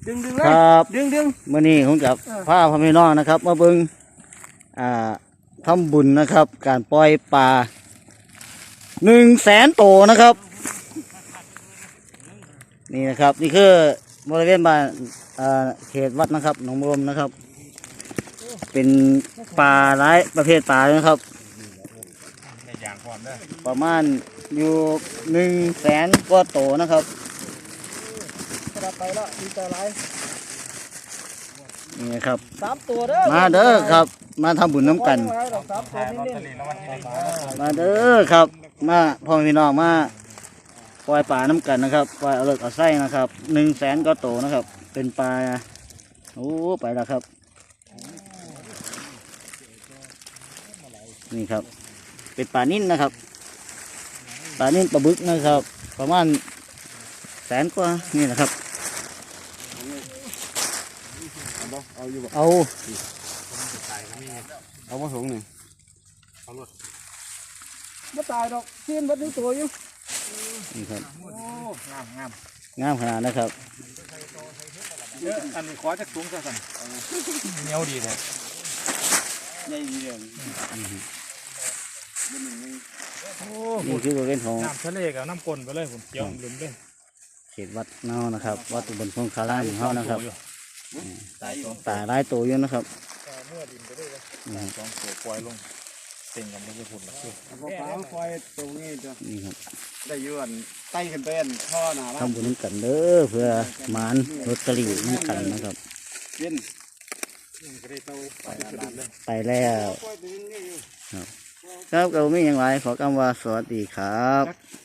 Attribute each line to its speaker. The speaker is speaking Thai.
Speaker 1: ดึงเลย
Speaker 2: ครับ
Speaker 1: ดึง
Speaker 2: มื้อนี้ผมกับพาพ่อแม่น้องนะครับมาเบิ่งทำบุญนะครับ การปล่อยปลา100,000 ตัวนะครับ นี่นะครับนี่คือบริเวณบ้านเขตวัดนะครับหนองบัวลมนะครับ เป็นปลาหลายประเภทปลานะครับ ประมาณอยู่100,000 กว่าตัวนะครับไปแล้วดีใจไรนี่ครับ
Speaker 1: 3 ตัวเด้อ
Speaker 2: มาเด้อครับมาทำบุญน้ำกันมาเด้อครับมาพ่อพี่น้องมาปล่อยปลาน้ำกันนะครับปล่อยเอาเลิกเอาไส้นะครับ100,000 กว่าตัวนะครับเป็นปลาโอ้ไปแล้วครับนี่ครับเป็นปลานิ่นนะครับปลานิ่นปลาบึกนะครับประมาณ100,000 กว่านี่นะครับ
Speaker 3: เอามาส่งหนึ่ง
Speaker 1: ไม่ตายดอกเชี่ยนวัดนึงตัวอยู่
Speaker 2: นี่ครับ
Speaker 1: งาม
Speaker 2: ขนาดนะครับ
Speaker 1: เยอะอันนี้ขอจากสูงซะสั่นเหนียวดีเลยใหญ่ดีเลย
Speaker 2: นี่คือบริเวณของ
Speaker 1: น้ำทะเลกับน้ำกลนไปเลยผมเกี่ยวลืมเลย
Speaker 2: เขตวัดเนานะครับวัดอุบลพงคารามของเขานะครับตาหลายตัวอยู่นะครับ
Speaker 1: เมื่อดินไปด้วย2 ตัวปล่อยลงเต็งกันไม่ใช่ฝุ่นหรอก
Speaker 3: ปลาปล่อยตรงนี้จ้ะ
Speaker 2: นี่ครับ
Speaker 3: ได้ยืนไต่ขึ้นเป็นท่อหนา
Speaker 2: ทำบุญน้ำกันเด้อเพื่อหมานรถตรีน้ำกันนะครับไปแล้วครับก็ไม่อย่างไรขอกำว่าสวัสดีครับ